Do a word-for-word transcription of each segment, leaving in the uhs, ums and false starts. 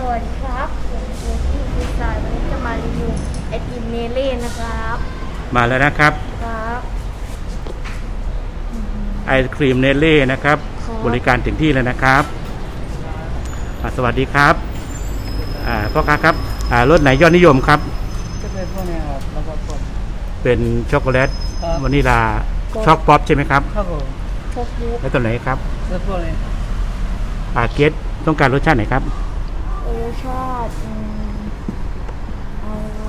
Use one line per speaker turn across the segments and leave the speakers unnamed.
วัสดีครับผมเจที่ดีไซน์วันนี้จะมารีวิวไอติมเนเล่นะครับ
มาแล้วนะครับ
ครับ
ไอศครีมเนเล่นะครับบริการถึงที่เลยนะครับสวัสดีครับพ่อค้าครับรสไหนยอดนิยมครับ
จะเป็นพวกนี้ครับแล้วก็พวก
เป็นช็อกโกแลตวานิลาช็อกป๊อปใช่ไหมครับ
ครับผม
ช็อกบุ๊ก
แล้วตัวไหนครับ
แล้วพวกนี้
ปาเกตต้องการรสชาติไหนครับ
รสชาติเอา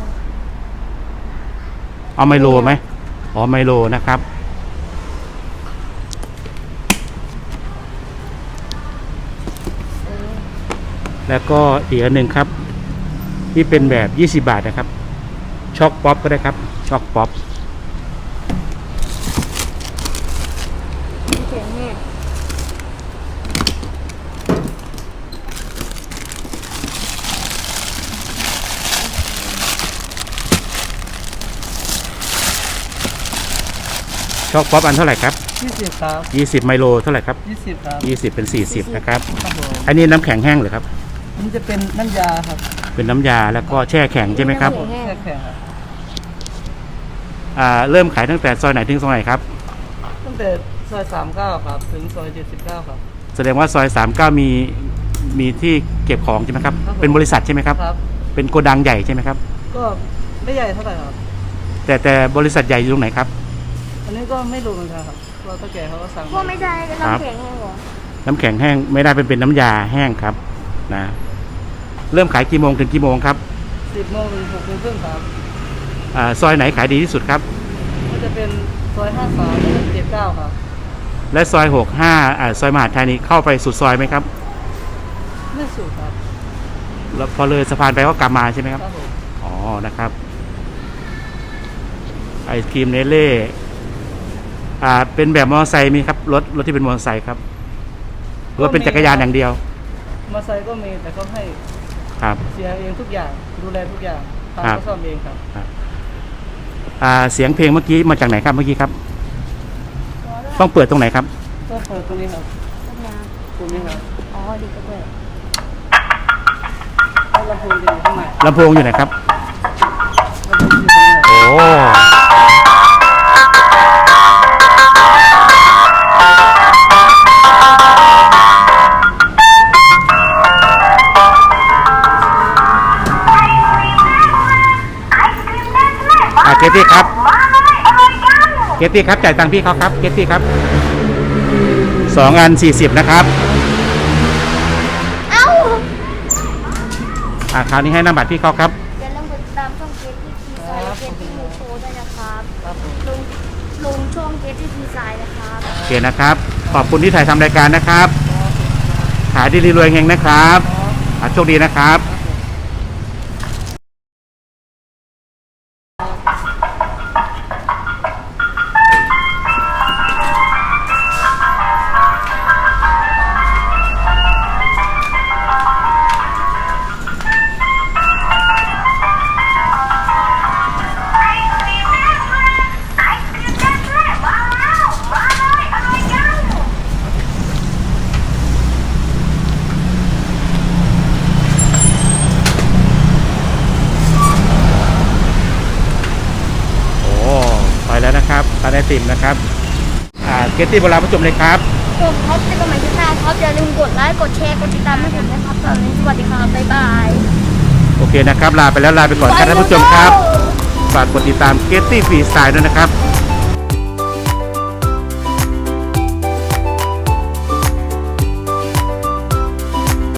เอาไมโลไหมอ๋อไมโลนะครับแล้วก็อีกอันหนึ่งครับที่เป็นแบบยี่สิบบาทนะครับช็อกป๊อปก็ได้ครับช็อกป๊อป
เขียนเนี่ย
ช็อกป๊อปอันเท่าไหร่ครับ
ยี่สิบครับ
ยี่สิบไมโลเท่าไหร่ครับ
ยี่สิบครับ
ยี่สิบเป็นสี่สิบนะครับ
ครับผม
อันนี้น้ำแข็งแห้งหรือครับ
มันจะเป็นน้ำยาครับ
เป็นน้ำยาแล้วก็แช่แข็งใช่ไหมครับ
แช่แข็งครับ
อ่าเริ่มขายตั้งแต่ซอยไหนถึงซอยไหนครับ
ตั้งแต่ซอยสามเก้าครับถึงซอยเจ็ดสิบเก้าครับ
แสดงว่าซอยสามเก้ามีมีที่เก็บของใช่ไหมครับเป็นบริษัทใช่ไหมครับเป็นโกดังใหญ่ใช่ไหมครับ
ก็ไม่ใหญ่เท่าไหร่ครับ
แต่แต่บริษัทใหญ่อยู่ตรงไหนครับ
อันนี้ก็ไม่รู้เหมือนกันครับเพราะตะแก่เขาก็สั่ง
พวกไม่ได้น้ำแข็งแห้งหรอ
น้ำแข็งแห้งไม่ได้เป็นเป็นน้ำยาแห้งครับนะเริ่มขายกี่โมงถึงกี่โมงครับ
สิบโมงถึงหกโมงครึ่งครับ
อ่าซอยไหนขายดีที่สุดครับ
ก็จะเป็นซอยห้าสามและเจ็ดเก้าครับ
และซอยหกห้าอ่าซอยมหาดไทยนี้เข้าไปสุดซอยไหมครับ
ไม่สุดครับ
แล้วพอเลยสะพานไปก็กลับมาใช่ไหมครับอ๋อนะครับไอศครีมเนเล่อ่าเป็นแบบมอเตอร์ไซค์มีครับรถรถที่เป็นมอเตอร์ไซค์ครับหรือว่าเป็นจักรยานอย่างเดียว
มอเตอร์ไซค์ก็มีแต่เขาให้
ครับ
เสียเองทุกอย่างดูแลทุกอย่างทำก็ซ่อมเองครับ
อ่าเสียงเพลงเมื่อกี้มาจากไหนครับเมื่อกี้ครับต้องเปิดตรงไหนครับ
ต้องเปิดตรงนี้ครับตรงนี้ครับ
อ๋อดีก็เปิด
ลำโพงอยู่ข้างใน
ลำโพงอยู่ไหนครับโอ้เกตตี้ครับเกตตี้ครับจ่ายตังค์พี่เขาครับเกตตี้ครับสองอันสี่สิบนะครับ
เอ้า
อ่าคราวนี้ให้น้ำบัตรพี่เขาครับ
อย่าลืมกดติดตามช่องเกตตี้ทีไซน์เกตตี้มูโชว์ด้วยนะครับลงลงช่องเกตตี้ทีไซน์นะครับ
โอเคนะครับขอบคุณที่ถ่ายทำรายการนะครับขายดีรวยเฮงนะครับโชคดีนะครับแล้วนะครับตาไอติมนะครับอ่าเกตตี้โบราณผู้ชมเลยครับ
ผมท็อปในกระหม่อมที่หน้าท็อปอย่าลืมกดไลค์กดแชร์กดติดตามให้ผมนะครับตอนนี้สวัสดีครับบ๊ายบาย
โอเคนะครับลาไปแล้วลาไปก่อนครับท่านผู้ชมครับฝากกดติดตามเกตตี้ฟรีสไตล์ด้วยนะครับ